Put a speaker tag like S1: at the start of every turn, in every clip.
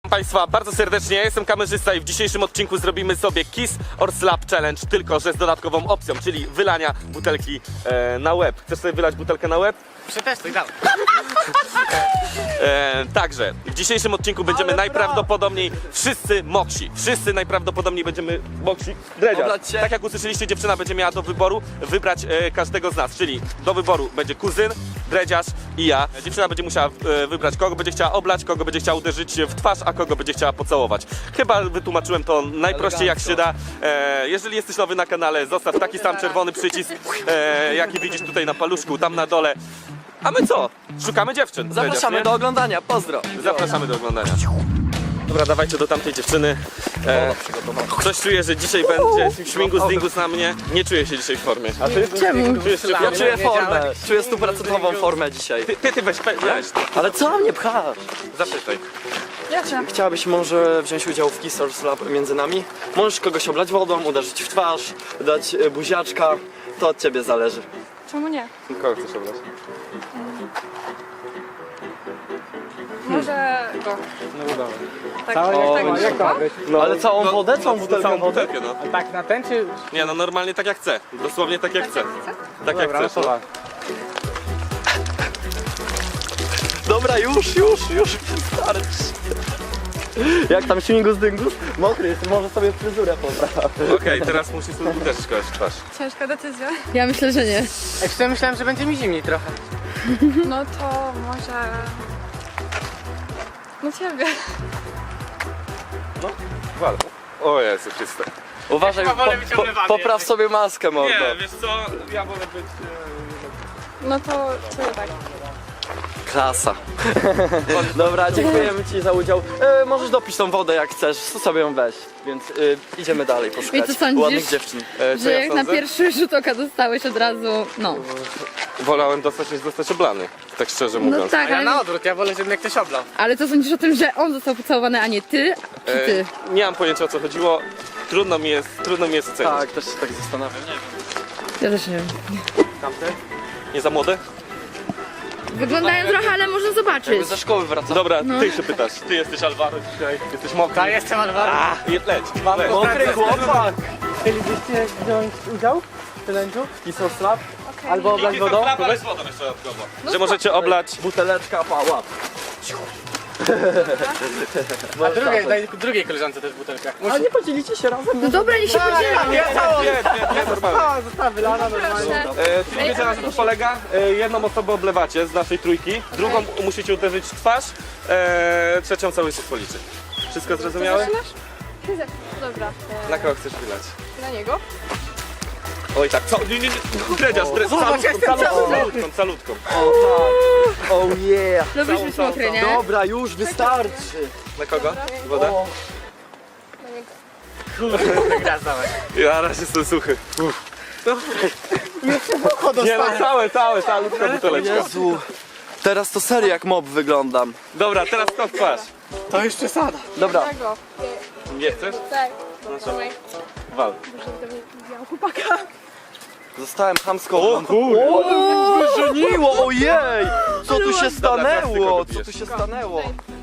S1: Państwa bardzo serdecznie, ja jestem kamerzysta i w dzisiejszym odcinku zrobimy sobie Kiss or Slap Challenge, tylko że z dodatkową opcją, czyli wylania butelki na łeb. Chcesz sobie wylać butelkę na łeb?
S2: Przetestuj, dawaj.
S1: Także w dzisiejszym odcinku będziemy najprawdopodobniej wszyscy moksi. Wszyscy najprawdopodobniej będziemy moksi. Dredziarz. Tak jak usłyszeliście, dziewczyna będzie miała do wyboru wybrać każdego z nas, czyli do wyboru będzie kuzyn, dredziarz i ja. Dziewczyna będzie musiała wybrać, kogo będzie chciała oblać, kogo będzie chciała uderzyć w twarz, a kogo będzie chciała pocałować. Chyba wytłumaczyłem to najprościej jak się da. Jeżeli jesteś nowy na kanale, zostaw taki sam czerwony przycisk, jaki widzisz tutaj na paluszku, tam na dole. A my co? Szukamy dziewczyn.
S3: Zapraszamy do oglądania, pozdro.
S1: Zapraszamy do oglądania. Dobra, dawajcie do tamtej dziewczyny. Coś czuję, że dzisiaj będzie śmigus dingus na mnie. Nie czuję się dzisiaj w formie. A ty?
S4: Czemu?
S1: Czujesz się w
S3: Ja
S1: formie?
S3: czuję formę, czuję 100% formę dzisiaj.
S1: Ty weź.
S3: Ale co mnie pchasz?
S1: Zapytaj.
S4: Ja chcę.
S3: Chciałabyś może wziąć udział w Kiss or Slap między nami? Możesz kogoś oblać wodą, uderzyć w twarz, dać buziaczka. To od ciebie zależy.
S4: Czemu nie?
S1: Kogo chcesz oblać?
S4: Może go.
S2: No dobra.
S4: Tak,
S3: O,
S2: Jak to ma być?
S1: No,
S3: Ale całą wodę, całą butelkę
S1: Całą
S3: wody?
S1: butelkę, no.
S2: A tak na ten czy...
S1: Nie, no normalnie tak jak chcę. Dosłownie tak jak chcę. Tak jak
S2: Dobra, no
S1: chcesz.
S2: to
S3: Dobra, już, wystarczy. Jak tam śmigus dyngus? Mokry jest, może sobie fryzurę popraw.
S1: Okej, teraz musisz sobie uderzyć kogoś w twarz.
S4: Ciężka decyzja.
S5: Ja myślę, że nie.
S2: Jeszcze myślałem, że będzie mi zimniej trochę.
S4: No to może... No ciebie.
S1: Wal. O Jezu Chryste.
S3: Uważaj,
S2: chyba wolę być oblewany
S3: popraw
S2: jednak.
S3: sobie maskę, mordo.
S1: Nie, wiesz co? Ja wolę być...
S4: No to ciebie tak.
S3: Klasa. Dobra, dziękujemy ci za udział. Możesz dopić tą wodę jak chcesz, sobie ją weź. Więc idziemy dalej poszukać
S5: I co sądzisz?
S3: ładnych dziewczyn.
S1: Co
S5: Że
S1: ja
S5: jak na
S1: sądzę?
S5: pierwszy rzut oka dostałeś od razu, no.
S1: Wolałem dostać niż zostać oblany. Tak szczerze
S5: No
S1: mówiąc.
S5: tak,
S2: A ja na
S5: ale,
S2: odwrót, ja wolę, żeby mnie ktoś oblał.
S5: ale co sądzisz o tym, że on został pocałowany, a nie ty, czy ty?
S1: Nie mam pojęcia o co chodziło. Trudno mi jest ocenić.
S3: Tak, też się tak zastanawiam.
S5: Ja też nie wiem.
S1: Tamte? Nie za młode?
S5: Wyglądają trochę, ale można zobaczyć.
S3: Jakby ze szkoły wracam.
S1: Dobra, ty się pytasz. Ty jesteś Alvaro dzisiaj. Jesteś mokry.
S2: Ja jestem Alvaro.
S1: Leć.
S3: Mokry chłopak!
S2: Chcielibyście wziąć udział w challenge'u? Kiss or Slap? Albo oblać wodą?
S1: Weź wodą jeszcze dodatkowo. Że możecie oblać...
S3: Buteleczka, pała.
S2: A daj drugiej koleżance też butelkę.
S3: A nie podzielicie się razem?
S5: No dobra, niech się podzielą.
S2: Ja całą!
S1: Nie, normalnie.
S2: A, została wylana normalnie.
S1: Czyli wiecie na co to polega? Jedną osobę oblewacie z naszej trójki, drugą musicie uderzyć w twarz, trzecią cały się policzy. Wszystko zrozumiałe?
S4: Zaczynasz? Ty zaczynasz. Dobra.
S1: Na kogo chcesz wylać?
S4: Na niego?
S1: Oj tak, co? Nie. Dredziarz, calutką.
S3: O tak. Oh yeah.
S5: Lubisz być mokry, nie?
S3: Dobra, już wystarczy.
S1: Na kogo? Woda?
S3: O,
S4: Na niego.
S2: Gra dawaj.
S1: Ja raz jestem suchy. Nie no, calutka buteleczka.
S3: Jezu. Teraz to serio jak mob wyglądam.
S1: Dobra, teraz to w twarz.
S2: To już przesada.
S3: Dobra.
S4: Tego.
S1: Nie chcesz?
S4: Tak. Trzymaj.
S1: Wal.
S4: Muszę do mnie widziałam chłopaka.
S3: Zostałem chamsko.
S1: O kurde.
S3: O, wyżeniło, ojej! Co tu się
S1: Dobra, teraz ty
S3: stanęło?
S1: kogo
S3: Co
S1: bijesz?
S3: tu się stanęło?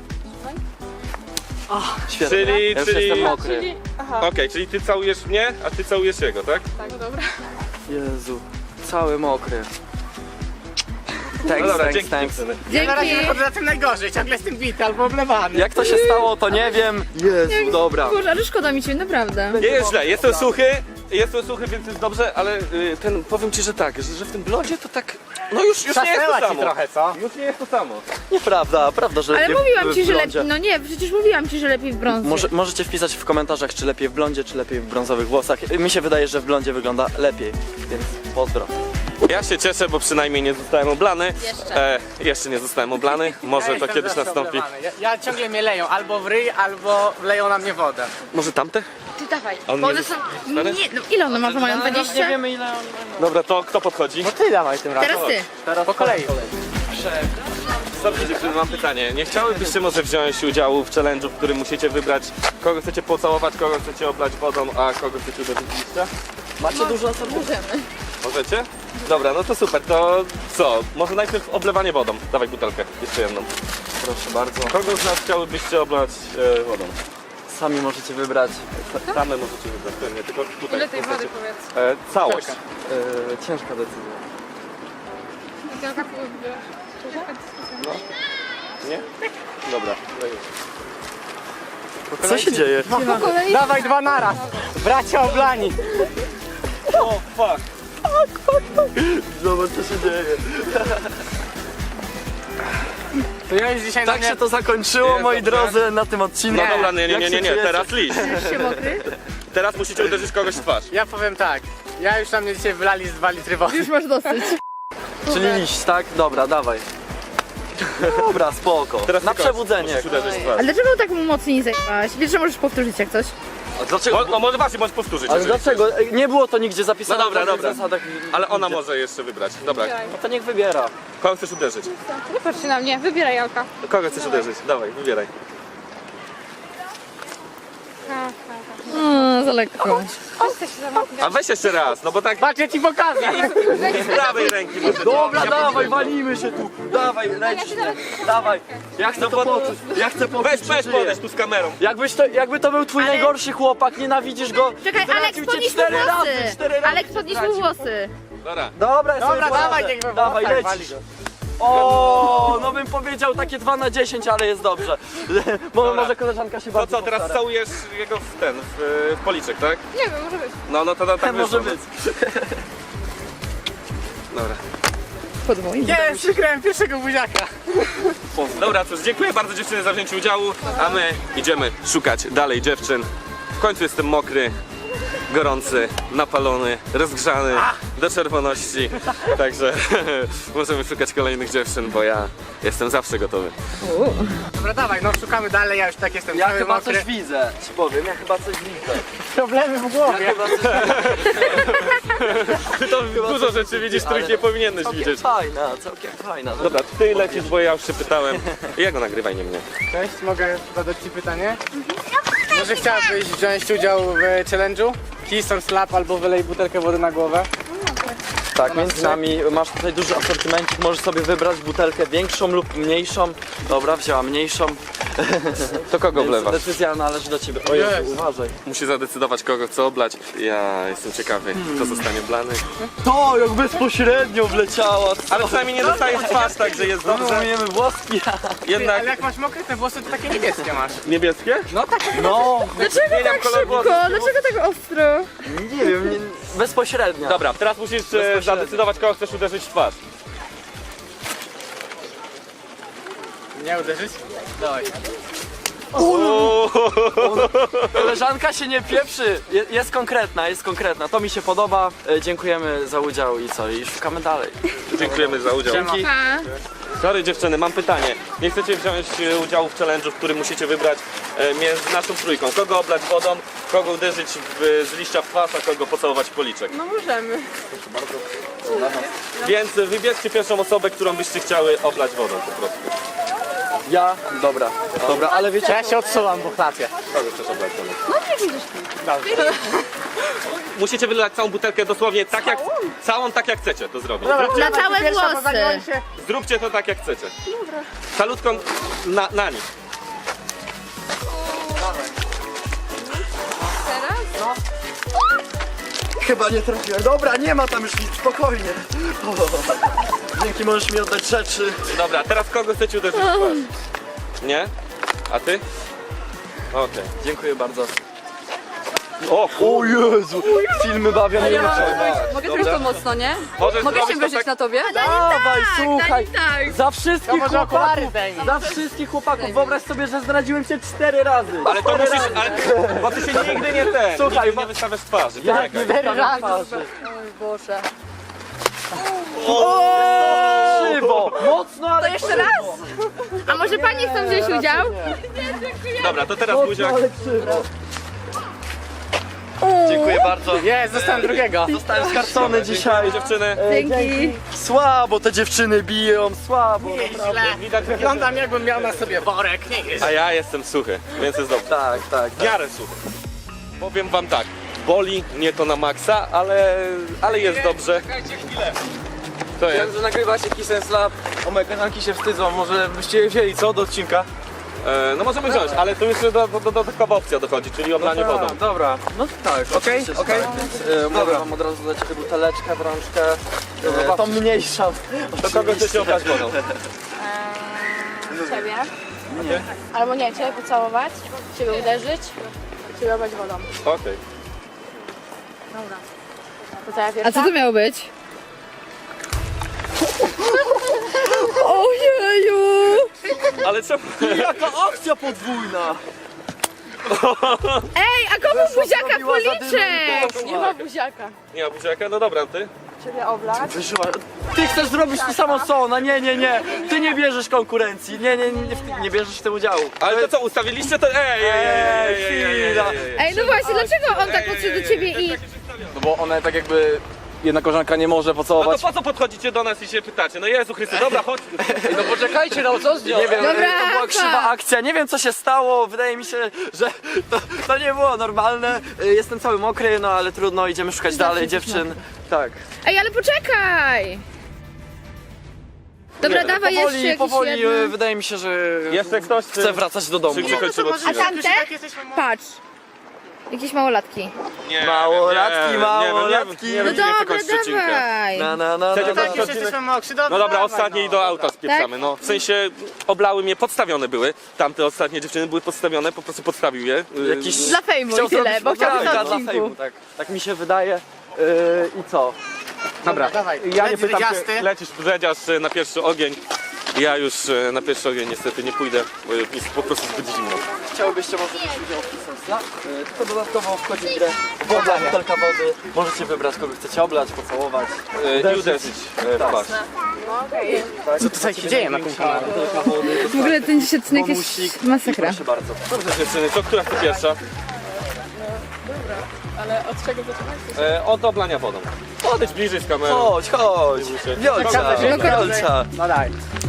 S3: Świetnie.
S1: Czyli,
S3: Ja już
S1: czyli...
S3: jestem mokry.
S4: Czyli... Aha.
S1: Okej, czyli ty całujesz mnie, a ty całujesz jego, tak?
S4: Tak, dobra.
S3: Jezu, cały mokry.
S1: No
S3: Thanks,
S1: dobra,
S3: thanks,
S1: dzięki
S3: thanks.
S1: dziewczyny.
S2: Na razie
S5: Dzięki.
S2: wychodzę na tym najgorzej, ciągle jestem bity albo oblewany.
S3: Jak to się stało, to nie wiem. Jezu, dobra.
S5: Boże, ale szkoda mi cię, naprawdę.
S1: Nie jest źle, jestem suchy, więc jest dobrze, ale powiem ci, że tak, że w tym blodzie to tak, no już nie jest to
S2: Zasnęła ci
S1: samo.
S2: trochę, co?
S1: Już nie jest to samo.
S3: Nieprawda, prawda, że
S5: Ale
S3: lepiej
S5: mówiłam ci,
S3: w
S5: że
S3: blondzie.
S5: lepiej, no nie, przecież mówiłam ci, że lepiej w brązie.
S3: Możecie wpisać w komentarzach, czy lepiej w blondzie, czy lepiej w brązowych włosach. Mi się wydaje, że w blondzie wygląda lepiej, więc pozdro.
S1: Ja się cieszę, bo przynajmniej nie zostałem oblany.
S5: Jeszcze.
S1: Jeszcze nie zostałem oblany, może to
S2: jestem
S1: kiedyś
S2: zawsze
S1: nastąpi.
S2: oblewany. Ja ciągle mnie leją, albo w ryj, albo wleją na mnie wodę.
S1: Może tamte?
S5: Ty dawaj.
S1: On
S5: Bo
S1: nie
S5: one są...
S1: stary?
S5: Nie, no ile one ma, mają 20?
S3: wiemy ile on...
S1: Dobra, to kto podchodzi?
S2: No ty dawaj tym razem.
S5: Teraz ty.
S3: Teraz
S2: Po kolei.
S1: Dobrze dziewczyny, mam pytanie. Nie chciałybyście może wziąć udziału w challenge'u, w którym musicie wybrać, kogo chcecie pocałować, kogo chcecie oblać wodą, a kogo chcecie uderzyć w liścia?
S3: Macie dużo osób?
S5: Możemy.
S1: Możecie? Dobra, no to super, to co? Może najpierw oblewanie wodą. Dawaj butelkę, jeszcze jedną.
S3: Proszę bardzo.
S1: Kogo z nas chciałybyście oblać wodą?
S3: Sami możecie wybrać.
S1: Same możecie wybrać, pewnie, tylko tutaj.
S4: Ile tej wody powiedz?
S1: Całość.
S3: Ciężka decyzja.
S4: Jaka wybierasz?
S1: Nie? Dobra.
S3: Co się dzieje?
S4: Po kolei?
S2: Dawaj 2 naraz. Bracia oblani.
S1: O, fuck.
S3: Zobacz co się dzieje.
S2: To ja już dzisiaj
S3: Tak się to zakończyło,
S1: Jest
S3: moi
S1: dobrze.
S3: drodzy, na tym odcinku.
S1: No dobra,
S3: Jak się
S1: nie,
S3: czujecie?
S1: teraz liść.
S5: Się mokry?
S1: Teraz musicie uderzyć kogoś w twarz.
S2: Ja powiem tak. Ja już na mnie dzisiaj wylali z 2 litry wody.
S5: Już masz dosyć.
S3: Czyli liść, tak? Dobra, dawaj. Dobra, spoko.
S1: Teraz
S3: Na
S1: tylko
S3: przebudzenie.
S1: musisz uderzyć w twarz.
S5: Ale dlaczego tak mocniej zajmowałaś? Wiesz, że możesz powtórzyć jak coś?
S3: A dlaczego?
S1: No może właśnie, możesz powtórzyć.
S3: Ale
S1: jeżeli
S3: dlaczego? Nie było to nigdzie zapisane.
S1: No dobra,
S3: w żadnych
S1: dobra.
S3: zasadach.
S1: Ale ona może jeszcze wybrać. Dobra,
S4: Wybieraj.
S3: No to niech wybiera.
S1: kogo chcesz uderzyć?
S4: Nie patrz się na mnie, wybieraj Jalka.
S1: Kogo chcesz uderzyć? Dawaj, wybieraj.
S5: Za lekko.
S4: Chcę się zamknąć.
S1: A weź jeszcze raz, no bo tak
S2: Patrz, ja ci pokażę.
S1: z prawej ręki może.
S3: Dobra,
S1: Ja
S3: dawaj, walimy się tu. Dawaj, lecisz mnie. Dawaj. Ja chcę to poczuć. Ja chcę poczuć,
S1: Weź,
S3: że
S1: weź
S3: żyję.
S1: podejść tu z kamerą.
S3: Jakby to był twój najgorszy chłopak, nienawidzisz go.
S5: Czekaj, Aleks,
S3: zdradził cię
S5: podnieś mu
S3: 4 razy,
S5: włosy.
S3: 4 razy
S5: Aleks, podnieś mu włosy.
S1: Dobra.
S3: Dobra, ja sobie
S2: Dobra,
S3: poradzę.
S2: dawaj, niech we
S3: Dawaj,
S2: włosach wali
S3: lecisz.
S2: go.
S3: O, no bym powiedział takie 2 na 10, ale jest dobrze. Może koleżanka się
S1: To
S3: bardzo
S1: co, teraz
S3: postara.
S1: całujesz jego w policzek, tak?
S4: Nie wiem, może być.
S1: No to tak
S3: Może
S1: wyszło.
S3: być.
S1: Dobra.
S5: Podwójnie.
S2: Jest, przykrałem pierwszego buziaka.
S1: Dobra, cóż, dziękuję bardzo dziewczyny za wzięcie udziału, a my idziemy szukać dalej dziewczyn. W końcu jestem mokry, gorący, napalony, rozgrzany do czerwoności, także możemy szukać kolejnych dziewczyn, bo ja jestem zawsze gotowy.
S2: Dobra, dawaj, no szukamy dalej, ja już tak jestem
S3: Ja
S2: cały
S3: chyba
S2: mokry.
S3: coś widzę, ci powiem, ja chyba coś widzę.
S2: Problemy w
S3: Ja
S2: głowie.
S3: chyba coś
S1: Ty to dużo rzeczy widzisz, których nie powinieneś
S3: całkiem
S1: widzieć.
S3: całkiem fajna.
S1: Dobra, ty lecisz, bo ja już się pytałem. Ja go nagrywaj, nie mnie.
S2: Cześć, mogę zadać ci pytanie? Może chciałabyś wziąć udział w challenge'u? Kiss or slap albo wylej butelkę wody na głowę?
S3: Tak, między nami masz tutaj duży asortymencik, możesz sobie wybrać butelkę większą lub mniejszą. Dobra, wzięła mniejszą.
S1: To kogo
S3: Więc
S1: wlewasz?
S3: decyzja należy do ciebie. O Jezu,
S2: Jest.
S3: uważaj.
S1: Musi zadecydować, kogo chce oblać. Ja jestem ciekawy, kto zostanie blany.
S3: To jak bezpośrednio wleciała.
S1: Ale przynajmniej nie dostajesz twarz, także jest dobrze.
S3: Umiemy włoski.
S1: Jednak
S2: Ale jak masz mokre te włosy, to takie niebieskie masz.
S1: niebieskie?
S2: No tak.
S3: No,
S5: Dlaczego
S1: Zmieniam
S5: tak
S1: kolor
S5: szybko?
S1: włosów.
S5: Dlaczego tak ostro?
S3: nie wiem, bezpośrednio.
S1: Dobra, teraz musisz zadecydować, kogo chcesz uderzyć w twarz.
S2: Nie uderzyć? Dawaj.
S3: Koleżanka się nie pieprzy. Jest konkretna. To mi się podoba. Dziękujemy za udział i co? I szukamy dalej.
S1: Dziękujemy za udział.
S2: Siema.
S5: Pa.
S1: Sorry dziewczyny, mam pytanie. Nie chcecie wziąć udziału w challenge'u, w którym musicie wybrać między naszą trójką. Kogo oblać wodą, kogo uderzyć z liścia w twarz, a kogo pocałować w policzek.
S4: No możemy.
S1: Więc wybierzcie pierwszą osobę, którą byście chciały oblać wodą po prostu.
S3: Ja? Dobra, ale wiecie...
S2: Ja się odsuwam, bo chlapię.
S1: Kogo chcesz oblać wodą? Musicie wylać całą butelkę dosłownie tak jak, całą tak jak chcecie to zrobić.
S5: Na całe
S2: Pierwsza, bo
S5: włosy.
S2: zanim się...
S1: Zróbcie to tak jak chcecie. Dobra. Salutką na nich.
S4: Teraz?
S3: Chyba nie trafiłem. Dobra, nie ma tam już nic, spokojnie. Dzięki, możesz mi oddać rzeczy.
S1: Dobra, teraz kogo chcecie uderzyć w twarz? Nie? A ty? Okej.
S3: Dziękuję bardzo.
S1: O,
S3: O Jezu, filmy bawią mnie
S6: Mogę zrobić to mocno, nie?
S1: Możesz
S6: Mogę się
S1: zrobić to
S6: wyżyć na tobie?
S3: Dawaj, słuchaj.
S5: Tak.
S3: Za
S2: To
S3: wszystkich
S2: może okulary
S3: chłopaków.
S2: zdejmij.
S3: Za wszystkich chłopaków. Wyobraź sobie, że zdradziłem cię 4 razy.
S1: Ale to
S3: 4
S1: musisz,
S3: razy.
S1: ale, bo ty się nigdy nie
S3: Słuchaj,
S1: nigdy nie wystawiasz twarzy.
S3: Jak
S1: Poczekaj.
S3: nie wystawiam twarzy.
S6: Oj Boże.
S3: Krzywo, mocno, ale
S6: To jeszcze raz?
S5: A może pani chcą wziąć udział?
S1: Dobra, to teraz buziak.
S3: ale krzywo. Dziękuję bardzo.
S2: Jest, zostałem drugiego.
S3: Zostałem skarcony dzisiaj.
S1: Dziewczyny.
S5: Dzięki.
S3: Słabo te dziewczyny biją, słabo.
S2: Źle.
S1: Widać,
S2: Wyglądam jakbym miał na sobie worek, nie jest.
S1: a ja jestem suchy, więc jest dobrze.
S3: Tak.
S1: W miarę suchy. Powiem wam tak, boli mnie to na maksa, ale jest dobrze. To
S3: Wiem,
S1: jest.
S3: że nagrywacie Kiss and Slap, o moje kanalki się wstydzą, może byście je wzięli, co, do odcinka?
S1: No możemy wziąć, ale tu jeszcze dodatkowa opcja dochodzi, czyli oblanie wodą.
S3: Dobra, no tak,
S2: Okej,
S3: oczywiście, że
S2: okej.
S3: tak, więc mogę wam od razu dać buteleczkę w rączkę, tą mniejszą.
S1: Do kogo chcecie oblać wodą?
S6: Ciebie. Albo nie, ciebie pocałować, ciebie uderzyć, ciebie oblać wodą.
S1: Okej.
S6: To co ja
S5: A
S6: pierwsza?
S5: co to miało być? Ojeju!
S1: Ale co?
S3: Jaka akcja podwójna!
S5: Ej, a komu buziaka
S3: zrobiła
S5: policzek?
S6: Nie ma buziaka.
S1: Nie ma buziaka? No dobra, ty?
S6: Ciebie oblać.
S3: Wyżyła. Ty chcesz zrobić to samo co ona, nie. Ty nie bierzesz konkurencji, nie bierzesz w tym udziału.
S1: Ale to co, ustawiliście to?
S3: chwila.
S5: Ej, no właśnie, dlaczego on tak podszedł do ciebie i...
S3: No bo ona tak jakby, jedna koleżanka nie może
S1: No
S3: pocałować.
S1: to po co podchodzicie do nas i się pytacie? No Jezu Chryste, dobra, chodź.
S3: No poczekajcie, no co z nią? Nie wiem,
S5: Dobra,
S3: to była krzywa
S5: Rafa.
S3: akcja, nie wiem co się stało, wydaje mi się, że to nie było normalne. Jestem cały mokry, no ale trudno, idziemy szukać dalej dziewczyn. Tak.
S5: Ej, ale poczekaj! Dobra, dawaj jeszcze jakiś
S3: powoli
S5: jeden.
S3: wydaje mi się, że
S1: Jeszcze ktoś
S3: chcę wracać do domu.
S1: Czy kończymy
S5: A
S1: odcinek?
S5: tamte? Patrz. Jakieś małolatki.
S1: Nie,
S3: Małolatki,
S1: nie
S3: małolatki.
S1: wiem,
S5: No
S1: czy nie chcę
S5: dobra,
S1: kończyć odcinka.
S5: dawaj.
S1: Chcecie
S2: Tak,
S1: kończyć
S2: już
S1: odcinek?
S2: jesteśmy mokrzy, dobra.
S1: No dobra,
S2: dawaj,
S1: ostatnie
S2: no.
S1: i do auta spieprzamy. No, w sensie oblały mnie, podstawione były. Tamte ostatnie dziewczyny były podstawione, po prostu podstawił je.
S3: Jakiś
S5: Dla fejmu
S3: chciał
S5: i tyle,
S3: zrobić
S5: bo chciał być na
S3: dla
S5: odcinku.
S3: fejmu, tak mi się wydaje. I co?
S2: Dobra, dawaj.
S1: Ja nie
S2: Leć
S1: pytam
S2: dredziasty.
S1: się, lecisz dredziarz na pierwszy ogień. Ja już na pierwszy ogień niestety nie pójdę, bo jest po prostu zbyt zimno.
S3: Chciałbyście może wziąć udział w Kiss and Slap? Tylko dodatkowo wchodzi w grę woda, butelka wody. Możecie wybrać kogo chcecie oblać, pocałować.
S1: I uderzyć w twarz.
S2: Co tutaj się dzieje na tym kanale?
S3: Butelka wody.
S5: W ogóle ten dzisiaj odcinek
S3: Bonusik.
S5: jest masakra.
S3: Proszę bardzo.
S1: Dobrze dziewczyny, to która chce pierwsza?
S6: Ale od czego zaczynać?
S1: Od oblania wodą. Podejdź bliżej z kamerą.
S3: Chodź. Wiolca, Wiolca.
S2: No daj.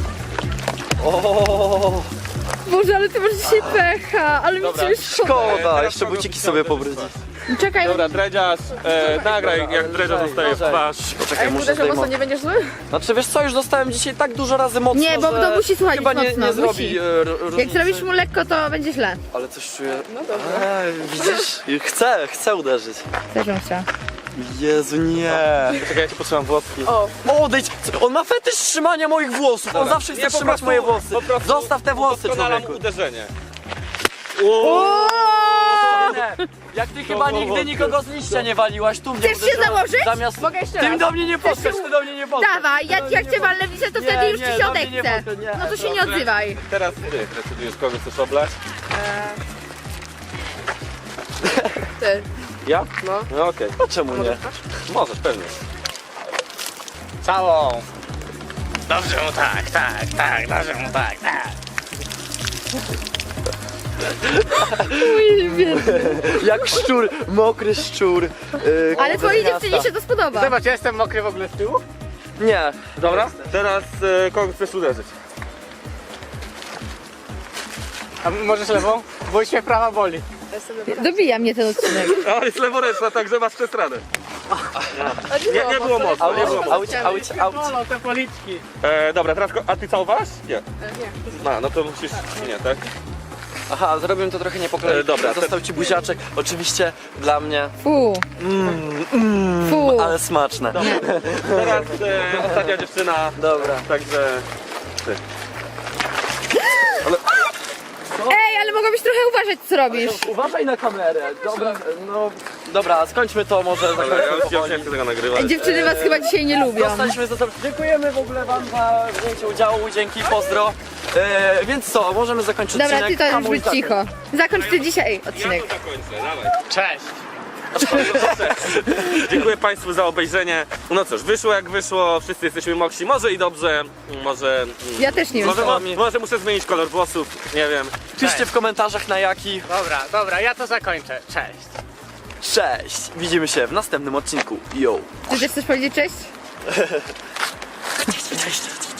S3: O,
S5: Boże, ale ty masz dzisiaj pecha, ale mi
S1: Dobra.
S5: cię szkoda.
S3: szkoda,
S1: Teraz
S3: jeszcze
S1: kogo
S3: buciki
S1: byś
S3: sobie
S1: chciał
S3: pobrudzić.
S5: Czekaj,
S1: Dobra, dredziarz, nagraj jak dredziarz zostaje w twarz.
S3: Poczekaj, muszę
S6: Uderzę mocno,
S3: zdejmować.
S6: nie będziesz zły?
S3: Znaczy wiesz co, już dostałem dzisiaj tak dużo razy mocno,
S5: Nie, bo
S3: że
S5: to musi słuchać
S3: chyba nie,
S5: mocno,
S3: nie zrobi
S5: musi.
S3: różnicy.
S5: jak zrobisz mu lekko, to będzie źle.
S3: Ale coś czuję. No dobra. Widzisz? Chcę uderzyć.
S5: Też bym chciała.
S3: Jezu, nie.
S1: Czekaj, ja ci potrzebam włoski.
S3: Odejdź! On ma fetysz trzymania moich włosów. On zawsze chce
S1: Nie, po
S3: trzymać
S1: prostu-
S3: moje włosy.
S1: po prostu
S3: Zostaw te włosy,
S1: udoskonalam
S3: człowieku.
S1: uderzenie.
S3: Nie. Jak ty chyba nigdy nikogo z liścia nie waliłaś, tu mnie
S5: Chcesz się
S3: uderzyłaś.
S5: założyć?
S3: Zamiast...
S6: Mogę jeszcze
S3: Ty
S6: raz.
S3: do mnie nie podskocz, ty do mnie nie podskocz.
S5: Dawaj, jak cię walnę w lice, to wtedy już ci się
S3: do mnie nie
S5: odechce.
S3: podskocz, nie.
S5: No to się nie odzywaj.
S1: Teraz ty decydujesz, kogo chcesz oblać.
S6: Ty.
S1: Ja? No okej.
S3: No czemu nie?
S1: Możesz, pewnie.
S2: Całą.
S1: Dobrze mu tak, dobrze mu tak.
S3: Jak szczur, mokry szczur.
S5: Ale twojej
S3: miasta.
S5: dziewczynie się to spodoba.
S2: Zobacz, ja jestem mokry w ogóle z tyłu.
S3: Nie.
S1: Dobra, teraz kogo chcesz uderzyć?
S2: A możesz lewą? Bo już mnie prawa boli.
S5: Dobija mnie ten odcinek.
S1: O, jest leworęczna, także masz przestradę. Nie było mocno, nie było mocno.
S3: Auć.
S2: Bolą te policzki.
S1: Dobra, teraz a ty całowałaś? Nie. No to musisz, nie, tak?
S3: Aha, zrobiłem to trochę nie po kolei.
S1: Dobra,
S3: Został ci buziaczek, oczywiście dla mnie,
S5: Fu. Fu.
S3: ale smaczne.
S1: Teraz ostatnia dziewczyna,
S3: Dobra.
S1: także...
S5: Ej, ale mogłabyś trochę uważać, co robisz.
S3: Uważaj na kamerę. Dobra, no. Dobra, skończmy to może.
S1: Ja już nie chcę tego nagrywać.
S5: Dziewczyny was chyba dzisiaj nie lubią.
S3: Zostaliśmy za to. Dziękujemy w ogóle wam za wzięcie udziału, dzięki, pozdro. Więc co, możemy zakończyć
S5: Dobra,
S3: odcinek.
S5: ty to już
S3: Hamuj
S5: być
S3: tak.
S5: cicho. Zakończ ty dzisiaj
S1: Ja
S5: odcinek.
S1: to zakończę, dawaj.
S2: Cześć.
S1: Dziękuję Państwu za obejrzenie. No cóż, wyszło jak wyszło, wszyscy jesteśmy mokrzy. Może i dobrze, może...
S5: Ja też nie wiem.
S1: Może muszę zmienić kolor włosów, nie wiem.
S3: Piszcie w komentarzach na jaki.
S2: Dobra, ja to zakończę. Cześć.
S3: Cześć! Widzimy się w następnym odcinku. Yo!
S5: Ty też chcesz powiedzieć cześć?
S3: Cześć.